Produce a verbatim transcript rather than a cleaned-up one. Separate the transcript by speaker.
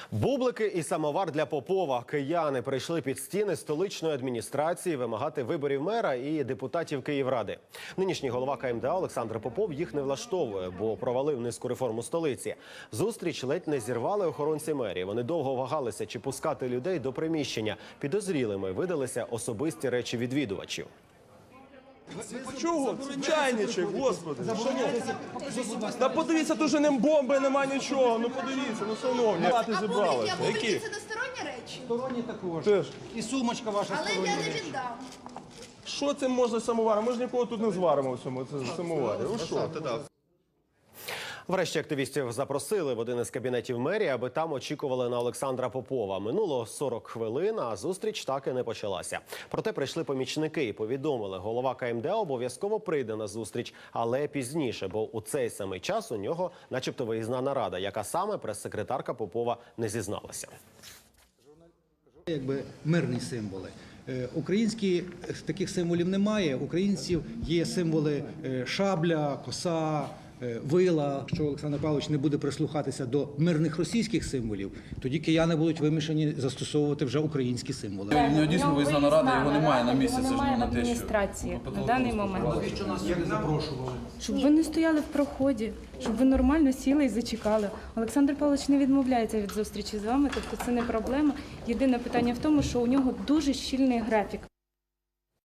Speaker 1: Бублики і самовар для Попова. Кияни прийшли під стіни столичної адміністрації вимагати виборів мера і депутатів Київради. Нинішній голова ка ем де а Олександр Попов їх не влаштовує, бо провалив низку реформ у столиці. Зустріч ледь не зірвали охоронці мерії. Вони довго вагалися, чи пускати людей до приміщення. Підозрілими видалися особисті речі відвідувачів.
Speaker 2: Чого? Чайничек, господи. Та подивіться, тут же не бомби, нема нічого. Ну подивіться, ну шановні.
Speaker 3: А були, я буду, це не сторонні речі?
Speaker 4: Сторонні також.
Speaker 2: Теж.
Speaker 4: І сумочка ваша
Speaker 3: Але
Speaker 4: стороння.
Speaker 3: я не віддам.
Speaker 2: Що це можна самоваром? Ми ж нікого тут не зваримо в цьому самоварі. Ну що?
Speaker 1: Врешті активістів запросили в один із кабінетів мерії, аби там очікували на Олександра Попова. Минуло сорок хвилин, а зустріч так і не почалася. Проте прийшли помічники і повідомили, голова ка ем де а обов'язково прийде на зустріч, але пізніше, бо у цей самий час у нього начебто виїзна нарада, яка саме прес-секретарка Попова не зізналася.
Speaker 4: Якби мирні символи. Е, Українські таких символів немає. Українців є символи е, шабля, коса, е, вила. Якщо Олександр Павлович не буде прислухатися до мирних російських символів, тоді кияни будуть вимушені застосовувати вже українські символи.
Speaker 5: У нього дійсно виїзна нарада, його немає на місці.
Speaker 6: Його немає в адміністрації на даний момент. Щоб ви не стояли в проході, щоб ви нормально сіли і зачекали. Олександр Павлович не відмовляється від зустрічі з вами, тобто це не проблема. Єдине питання в тому, що у нього дуже щільний графік.